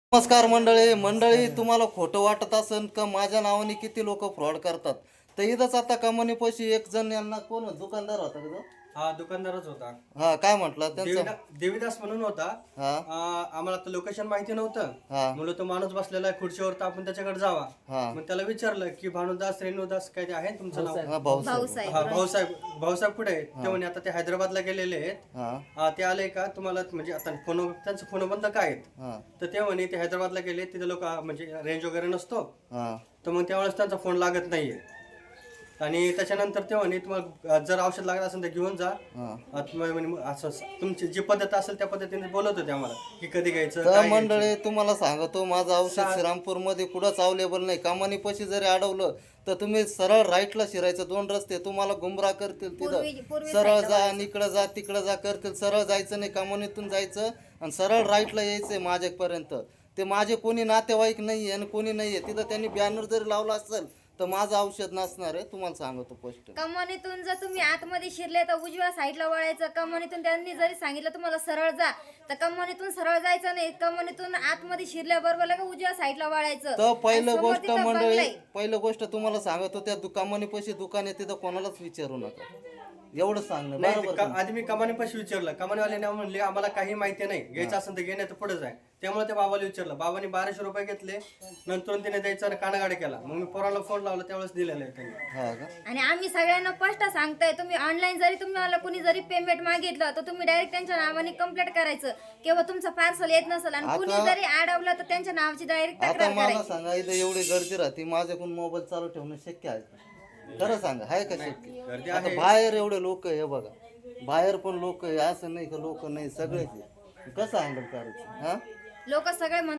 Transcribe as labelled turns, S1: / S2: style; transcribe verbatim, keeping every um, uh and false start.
S1: नमस्कार मंडळी मंडळी तुम्हाला खोटं वाटत असेल का माझ्या नावाने किती लोक फ्रॉड करतात. तर इथंच आता कमानीपाशी एक जण यांना कोण दुकानदार होता का तो?
S2: हा दुकानदारच होता.
S1: हा काय म्हटलं त्यांचं?
S2: देविदा- देविदास म्हणून होता.
S1: हा
S2: आ, आम्हाला तर लोकेशन माहिती नव्हतं.
S1: हा
S2: म्हणलं तो माणूस बसलेला आहे खुर्चीवर, तर आपण त्याच्याकडे जावा.
S1: हा
S2: मग त्याला विचारलं की भानुदास रेणुदास काय ते आहे ना तुमचं नाव?
S1: हा भाऊ
S3: भाऊसाहेब
S2: हा भाऊसाहेब. भाऊसाहेब कुठे आहेत? ते म्हणे आता ते हैदराबादला गेलेले आहेत.
S1: हा
S2: हा, ते आले का तुम्हाला, म्हणजे आता फोन त्यांचं फोन बंद काय आहेत.
S1: हा
S2: तर ते म्हणे ते हैदराबादला गेले, तिथे लोक म्हणजे रेंज वगैरे नसतो,
S1: हा
S2: तर मग त्यावेळेस त्यांचा फोन लागत नाहीये. आणि त्याच्यानंतर ते म्हणे तुम्हाला जर औषध लागत असेल तर घेऊन जा.
S1: हा
S2: आता तुम्ही म्हणे असं असं तुमची जी पद्धत असेल त्या पद्धतीने बोलत होते आम्हाला की कधी घ्यायचं
S1: तर
S2: काय घ्यायचं.
S1: मंडळी तुम्हाला सांगतो माझं औषध श्रीरामपूर मध्ये कुठंच अवेलेबल नाही. कमानीपाशी जरी अडवलं तर तुम्ही सरळ राईटला शिरायचं. दोन रस्ते तुम्हाला गुमराह करतील.
S3: पूर्वी-
S1: तिथं
S3: पूर्वी
S1: सरळ
S3: साईडला
S1: जा आणि इकडं जा तिकडं जा करतील. सरळ जायचं नाही, कमानीतून जायचं आणि सरळ राईटला यायचंय माझ्यापर्यंत. ते माझे कोणी नातेवाईक नाही आणि कोणी नाहीये तिथं. त्यांनी बॅनर जरी लावला असेल तर माझं औषध नसणार आहे, तुम्हाला सांगतो पोस्ट.
S3: कमानीतून जर तुम्ही आतमध्ये शिरले तर उजव्या साईडला वळायचं. कमानीतून त्यांनी जरी सांगितलं तुम्हाला सरळ जा, तर कमानीतून सरळ जायचं नाही. कमानीतून आतमध्ये शिरल्याबरोबर लगे उजव्या साईडला वळायचं.
S1: तर पहिलं
S3: आणि समोर
S1: गोष्ट
S3: तिथं
S1: मंडळी
S3: बंगला आहे.
S1: पहिलं गोष्ट तुम्हाला सांगतो त्या दुकानापाशी दुकान आहे तिथं कोणालाच विचारू नका. एवढं सांगणं
S2: नाही,
S1: बरोबर
S2: ते का-
S1: का?
S2: आधी मी कमानीपाशी विचारलं. कमानीवाल्याने म्हणले आम्हाला काही माहिती नाही, घ्यायचं असेल तर घेण्यात पुढे जाय. त्यामुळे त्या बाबाला विचारलं. बाबाने बाराशे रुपये घेतले. नंतर तिने द्यायचा आणि कानागाड्या केला. मग मी पोराला फोन लावला त्यावेळेस दिलेला आहे त्यांनी.
S1: हा का?
S3: आणि आम्ही सगळ्यांना स्पष्ट सांगताय, तुम्ही ऑनलाईन जरी तुम्हाला कोणी जरी पेमेंट मागितलं तर तुम्ही डायरेक्ट त्यांच्या नावाने कंप्लेंट करायचं किंवा तुमचं पार्सल येत नसेल आणि कुणी
S1: आता-
S3: जरी अडवलं तर त्यांच्या नावाची डायरेक्ट
S1: आता
S3: तक्रार
S1: मला
S3: करायची.
S1: सांगा इथं एवढी गर्दी राहते, माझ्याकडून मोबाईल चालू ठेवणं शक्य आहे का? खरं सांगा आहे का शक्य?
S2: गर्दी
S1: आता
S2: आहे.
S1: बाहेर एवढे लोक आहे बघा, बाहेर पण लोक आहे, असं नाही का लोक नाही सगळेच आहे. कसं हँडल करायचं? हा
S3: लोक सगळे म्हणतात